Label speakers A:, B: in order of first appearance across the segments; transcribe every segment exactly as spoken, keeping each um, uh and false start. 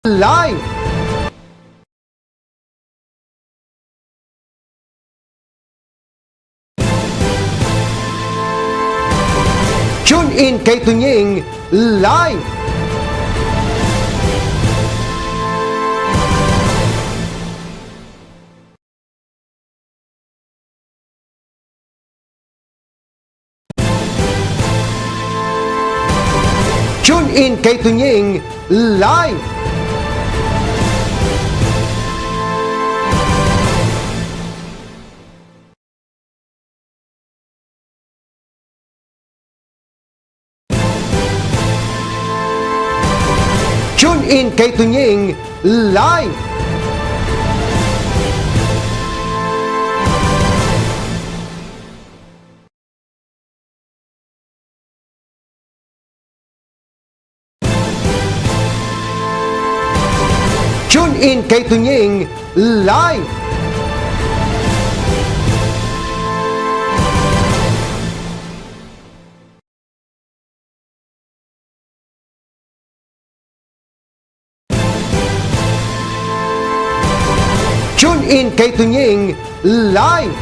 A: Live! Tune in kay Tunying Live! Tune in kay Tunying Live! Tune in kay Tunying Live! Tune in kay Tunying Live! Tune in kay Tunying Live!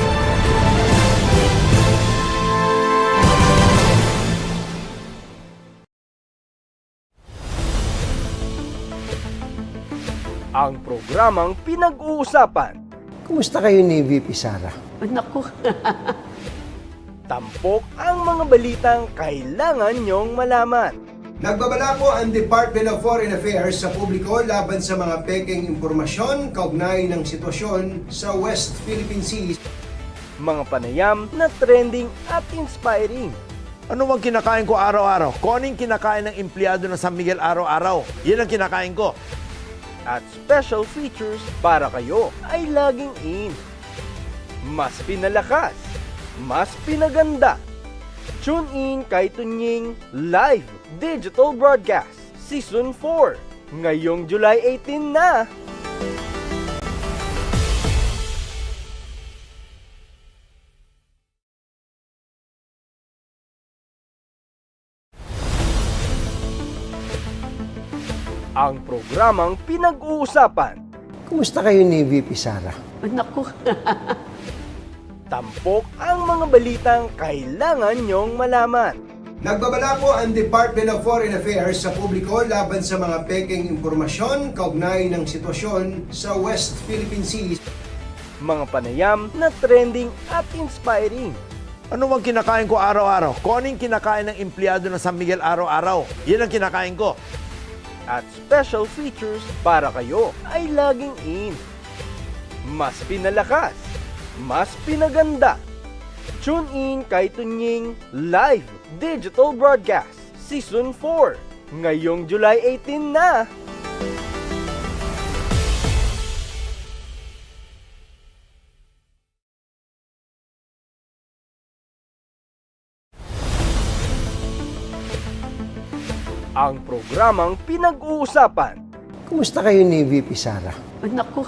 B: Ang programang pinag-uusapan,
A: Kumusta kayo ni V P Sara?
C: Naku,
B: tampok ang mga balitang kailangan nyong malaman.
D: Nagbabala po ang Department of Foreign Affairs sa publiko laban sa mga pekeng impormasyon kaugnay ng sitwasyon sa West Philippine Sea.
B: Mga panayam na trending at inspiring.
E: Ano bang kinakain ko araw-araw? Koning kinakain ng empleyado ng San Miguel araw-araw. Yan ang kinakain ko.
B: At special features para kayo ay laging in. Mas pinalakas, mas pinaganda. Tune in kay Tunying Live Digital Broadcast Season four ngayong July eighteen na. Ang programang pinag-uusapan,
A: Kumusta kayo ni V P Sara?
C: naku,
B: tampok ang mga balitang kailangan nyong malaman.
D: Nagbabala po ang Department of Foreign Affairs sa publiko laban sa mga pekeng impormasyon kaugnay ng sitwasyon sa West Philippine Sea.
B: Mga panayam na trending at inspiring.
E: Ano bang kinakain ko araw-araw? Koning kinakain ng empleyado ng San Miguel araw-araw. Yan ang kinakain ko.
B: At special features para kayo ay laging in. Mas pinalakas, mas pinaganda. Tune in kay Tunying Live Digital Broadcast Season four ngayong July eighteen na. Ang programang pinag-uusapan,
A: Kumusta kayo ni V P Sara?
C: naku,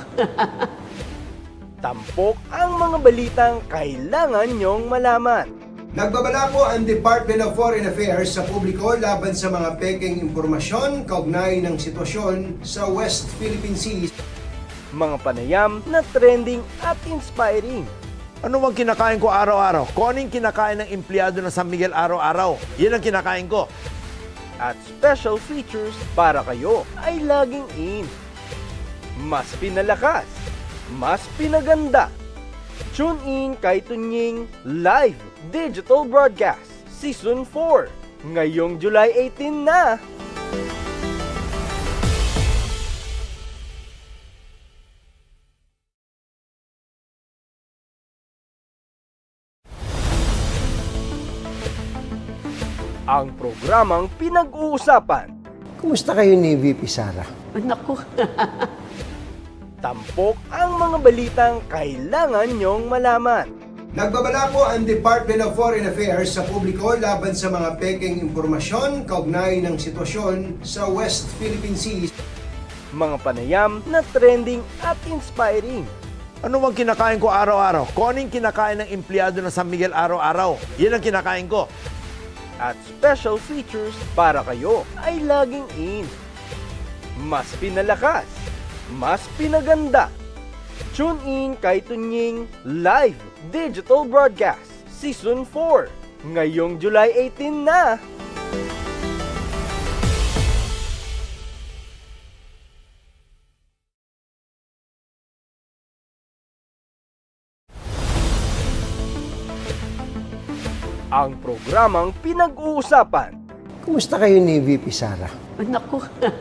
B: tampok ang mga balitang kailangan nyong malaman.
D: Nagbabala po ang Department of Foreign Affairs sa publiko laban sa mga pekeng impormasyon kaugnay ng sitwasyon sa West Philippine Sea.
B: Mga panayam na trending at inspiring.
E: Ano bang kinakain ko araw-araw? Koning kinakain ng empleyado ng San Miguel araw-araw. Yan ang kinakain ko.
B: At special features para kayo ay laging in. Mas pinalakas, mas pinaganda. Tune in kay Tunying Live Digital Broadcast Season four ngayong July eighteen na. Ang programang pinag-uusapan,
A: Kumusta kayo ni V P Sara?
C: naku,
B: tampok ang mga balitang kailangan nyong malaman.
D: Nagbabala po ang Department of Foreign Affairs sa publiko laban sa mga pekeng impormasyon kaugnay ng sitwasyon sa West Philippine Sea.
B: Mga panayam na trending at inspiring.
E: Ano bang kinakain ko araw-araw? Koning kinakain ng empleyado ng San Miguel araw-araw. Yan ang kinakain ko.
B: At special features para kayo ay laging in. mas pinalakas, mas pinaganda. Tune in kay Tunying Live Digital Broadcast Season four, ngayong July eighteen na! Ang programang pinag-uusapan,
A: Kumusta kayo ni V P Sara?
C: Naku,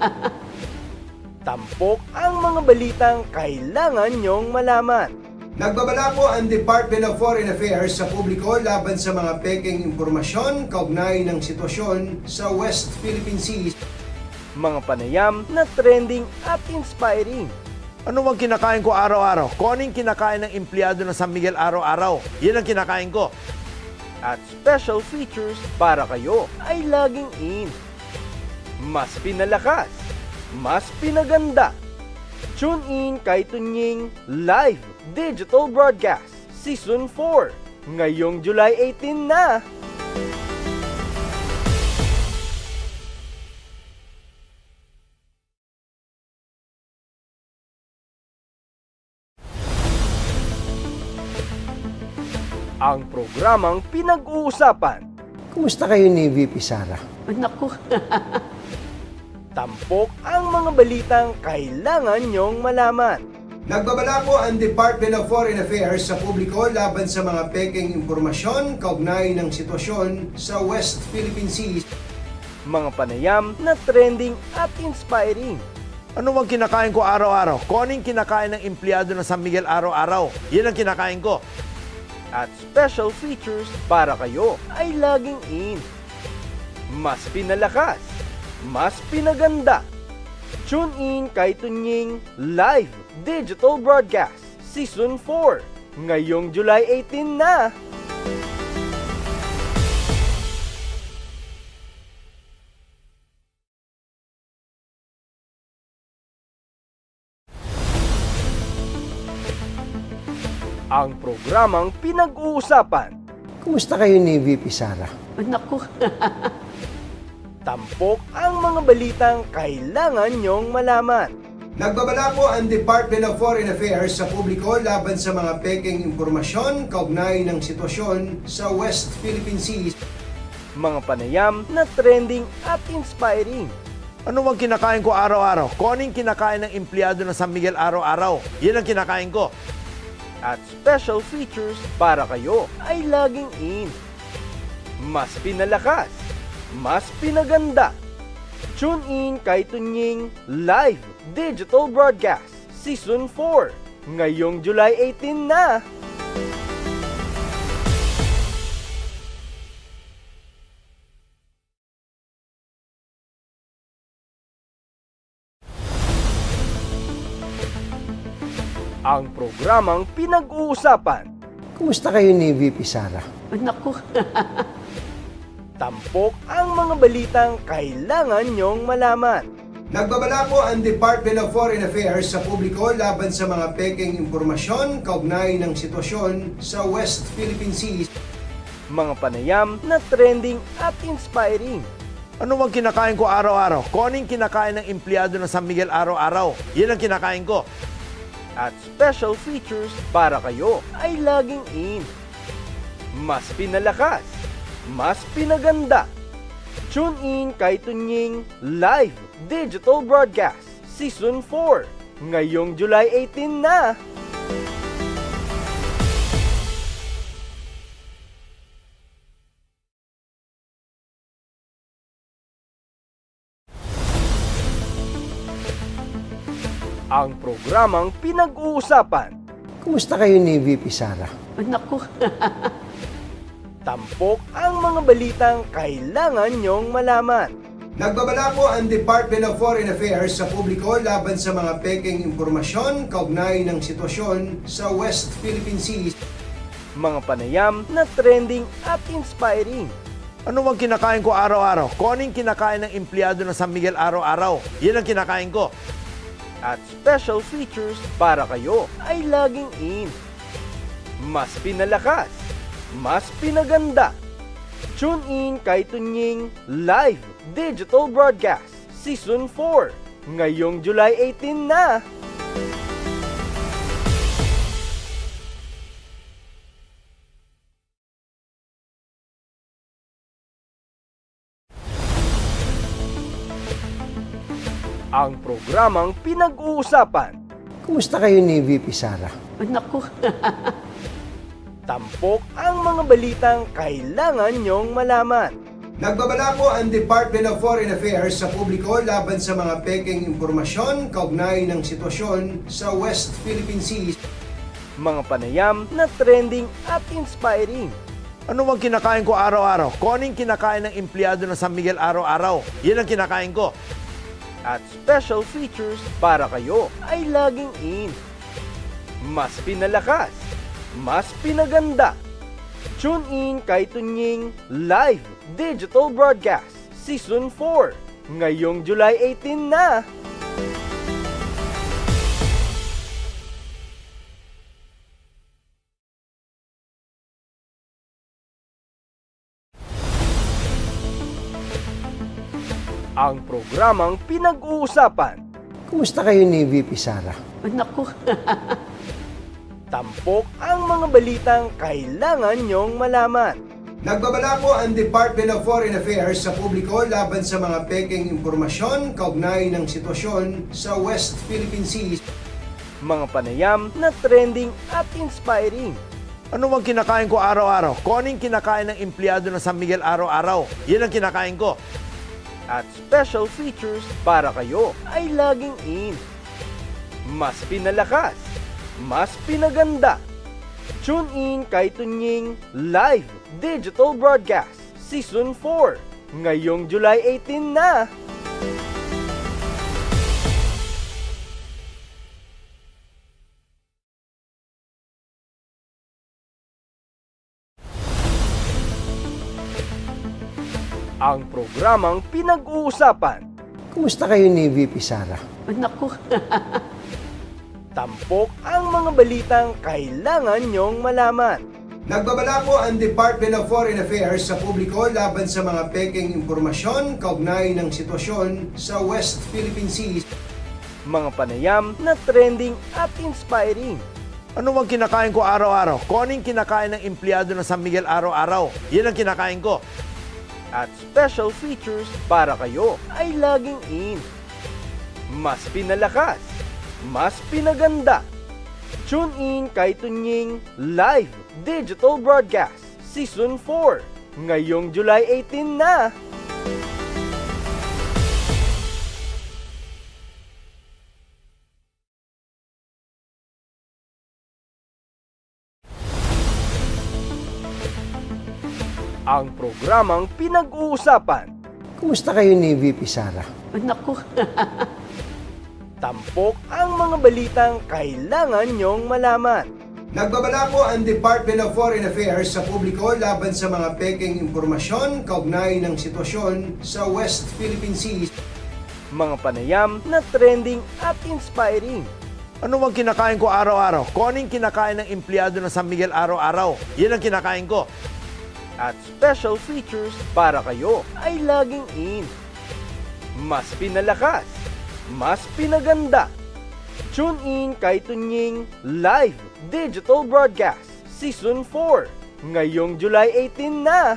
B: tampok ang mga balitang kailangan nyong malaman.
D: Nagbabala po ang Department of Foreign Affairs sa publiko laban sa mga peking impormasyon kaugnay ng sitwasyon sa West Philippine Sea.
B: Mga panayam na trending at inspiring.
E: Ano bang kinakain ko araw-araw? Kung anong kinakain ng empleyado ng San Miguel araw-araw, yan ang kinakain ko.
B: At special features para kayo ay laging in. Mas pinalakas, mas pinaganda. Tune in kay Tunying Live Digital Broadcast Season four, ngayong July eighteen na! Ang programang pinag-uusapan,
A: Kumusta kayo ni V P Sara?
C: naku,
B: tampok ang mga balitang kailangan nyong malaman.
D: Nagbabala po ang Department of Foreign Affairs sa publiko laban sa mga peking impormasyon kaugnay ng sitwasyon sa West Philippine Sea.
B: Mga panayam na trending at inspiring.
E: Ano bang kinakain ko araw-araw? Kung anong kinakain ng empleyado ng San Miguel araw-araw, yan ang kinakain ko.
B: At special features para kayo ay laging in. Mas pinalakas, mas pinaganda. Tune in kay Tunying Live Digital Broadcast Season four, ngayong July eighteen na! Ang programang pinag-uusapan,
A: Kumusta kayo ni V P Sara?
C: naku,
B: tampok ang mga balitang kailangan nyong malaman.
D: Nagbabala po ang Department of Foreign Affairs sa publiko laban sa mga peking impormasyon kaugnay ng sitwasyon sa West Philippine Sea.
B: Mga panayam na trending at inspiring.
E: Ano bang kinakain ko araw-araw? Kung anong kinakain ng empleyado ng San Miguel araw-araw, yan ang kinakain ko.
B: At special features para kayo ay laging in. Mas pinalakas, mas pinaganda. Tune in kay Tunying Live Digital Broadcast Season four, ngayong July eighteen na! Ang programang pinag-uusapan,
A: Kumusta kayo ni V P Sara?
C: naku,
B: tampok ang mga balitang kailangan nyong malaman.
D: Nagbabala po ang Department of Foreign Affairs sa publiko laban sa mga peking impormasyon kaugnay ng sitwasyon sa West Philippine Sea.
B: Mga panayam na trending at inspiring.
E: Ano bang kinakain ko araw-araw? Kung anong kinakain ng empleyado ng San Miguel araw-araw, yan ang kinakain ko.
B: At special features para kayo ay laging in. Mas pinalakas, mas pinaganda. Tune in kay Tunying Live Digital Broadcast Season four, ngayong July eighteen na! Ang programang pinag-uusapan,
A: Kumusta kayo ni V P Sara?
C: naku,
B: tampok ang mga balitang kailangan nyong malaman.
D: Nagbabala po ang Department of Foreign Affairs sa publiko laban sa mga peking impormasyon kaugnay ng sitwasyon sa West Philippine Sea.
B: Mga panayam na trending at inspiring.
E: Ano bang kinakain ko araw-araw? Kung anong kinakain ng empleyado ng San Miguel araw-araw, yan ang kinakain ko.
B: At special features para kayo ay laging in. Mas pinalakas, mas pinaganda. Tune in kay Tunying Live Digital Broadcast Season four, ngayong July eighteen na. Ang programang pinag-uusapan,
A: Kumusta kayo ni V P Sara?
C: Naku,
B: tampok ang mga balitang kailangan nyong malaman.
D: Nagbabala po ang Department of Foreign Affairs sa publiko laban sa mga peking impormasyon kaugnay ng sitwasyon sa West Philippine Sea.
B: Mga panayam na trending at inspiring.
E: Ano bang kinakain ko araw-araw? Koning kinakain ng empleyado ng San Miguel araw-araw. Yan ang kinakain ko.
B: At special features para kayo ay laging in. Mas pinalakas, mas pinaganda. Tune in kay Tunying Live Digital Broadcast Season four ngayong July eighteen na. Ang programang pinag-uusapan,
A: Kumusta kayo ni V P Sara?
C: naku,
B: tampok ang mga balitang kailangan nyong malaman.
D: Nagbabala po ang Department of Foreign Affairs sa publiko laban sa mga peking impormasyon kaugnay ng sitwasyon sa West Philippine Sea.
B: Mga panayam na trending at inspiring.
E: Ano bang kinakain ko araw-araw? Koning kinakain ng empleyado ng San Miguel araw-araw. Yan ang kinakain ko.
B: At special features para kayo ay laging in. Mas pinalakas, mas pinaganda. Tune in kay Tunying Live Digital Broadcast Season four ngayong July eighteen na. Ang programang pinag-uusapan,
A: Kumusta kayo ni V P Sara?
C: naku,
B: tampok ang mga balitang kailangan nyong malaman.
D: Nagbabala po ang Department of Foreign Affairs sa publiko laban sa mga peking impormasyon kaugnay ng sitwasyon sa West Philippine Sea.
B: Mga panayam na trending at inspiring.
E: Ano bang kinakain ko araw-araw? Koning kinakain ng empleyado ng San Miguel araw-araw. Yan ang kinakain ko.
B: At special features para kayo ay laging in. Mas pinalakas, mas pinaganda. Tune in kay Tunying Live Digital Broadcast Season four ngayong July eighteen na. Ang programang pinag-uusapan,
A: Kumusta kayo ni V P Sara?
C: naku,
B: tampok ang mga balitang kailangan nyong malaman.
D: Nagbabala po ang Department of Foreign Affairs sa publiko laban sa mga peking impormasyon kaugnay ng sitwasyon sa West Philippine Sea.
B: Mga panayam na trending at inspiring.
E: Ano bang kinakain ko araw-araw? Koning kinakain ng empleyado ng San Miguel araw-araw. Yan ang kinakain ko.
B: At special features para kayo ay laging in. Mas pinalakas, mas pinaganda. Tune in kay Tunying Live Digital Broadcast Season four ngayong July eighteen na.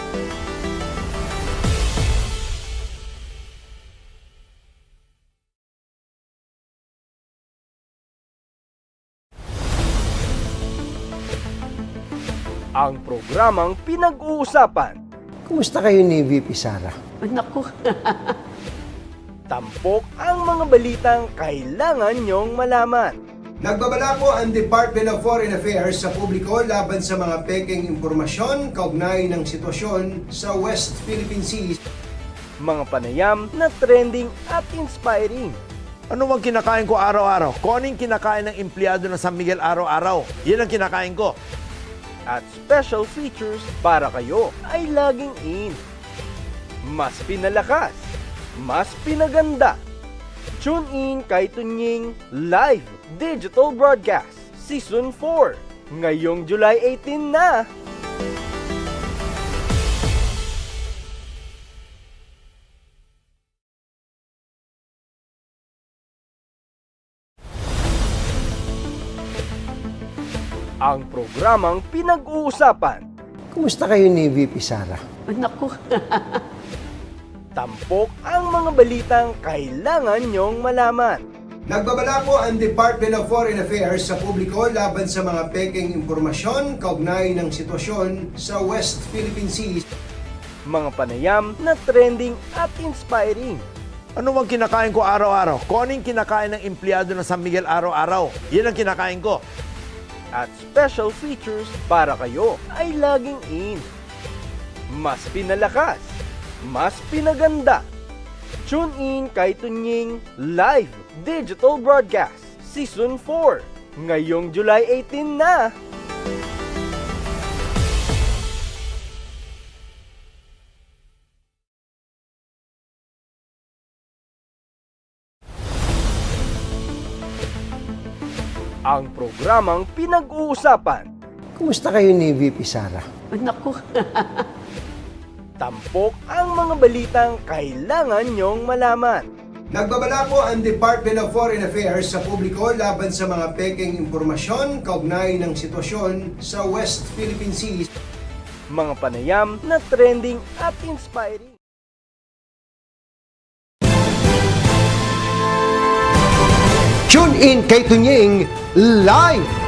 B: Ang programang pinag-uusapan,
A: Kumusta kayo ni V P Sara?
C: naku,
B: tampok ang mga balitang kailangan nyong malaman.
D: Nagbabala po ang Department of Foreign Affairs sa publiko laban sa mga peking impormasyon kaugnay ng sitwasyon sa West Philippine Sea.
B: Mga panayam na trending at inspiring.
E: Ano bang kinakain ko araw-araw? Koning kinakain ng empleyado ng San Miguel araw-araw. Yan ang kinakain ko.
B: At special features para kayo ay laging in. Mas pinalakas, mas pinaganda. Tune in kay Tunying Live Digital Broadcast Season four ngayong July eighteen na. Ang programang pinag-uusapan,
A: Kumusta kayo ni V P Sara?
C: Naku,
B: tampok ang mga balitang kailangan nyong malaman.
D: Nagbabala po ang Department of Foreign Affairs sa publiko laban sa mga peking impormasyon kaugnay ng sitwasyon sa West Philippine Sea.
B: Mga panayam na trending at inspiring.
E: Ano bang kinakain ko araw-araw? Kung ano yung kinakain ng empleyado ng San Miguel araw-araw, yan ang kinakain ko.
B: At special features para kayo ay laging in. Mas pinalakas, mas pinaganda. Tune in kay Tunying Live Digital Broadcast Season four ngayong July eighteen na. Ang programang pinag-uusapan,
A: Kumusta kayo ni V P Sara?
C: naku,
B: tampok ang mga balitang kailangan nyong malaman.
D: Nagbabala po ang Department of Foreign Affairs sa publiko laban sa mga peking impormasyon kaugnay ng sitwasyon sa West Philippine Sea.
B: Mga panayam na trending at inspiring.
A: Tune in kay Tunying live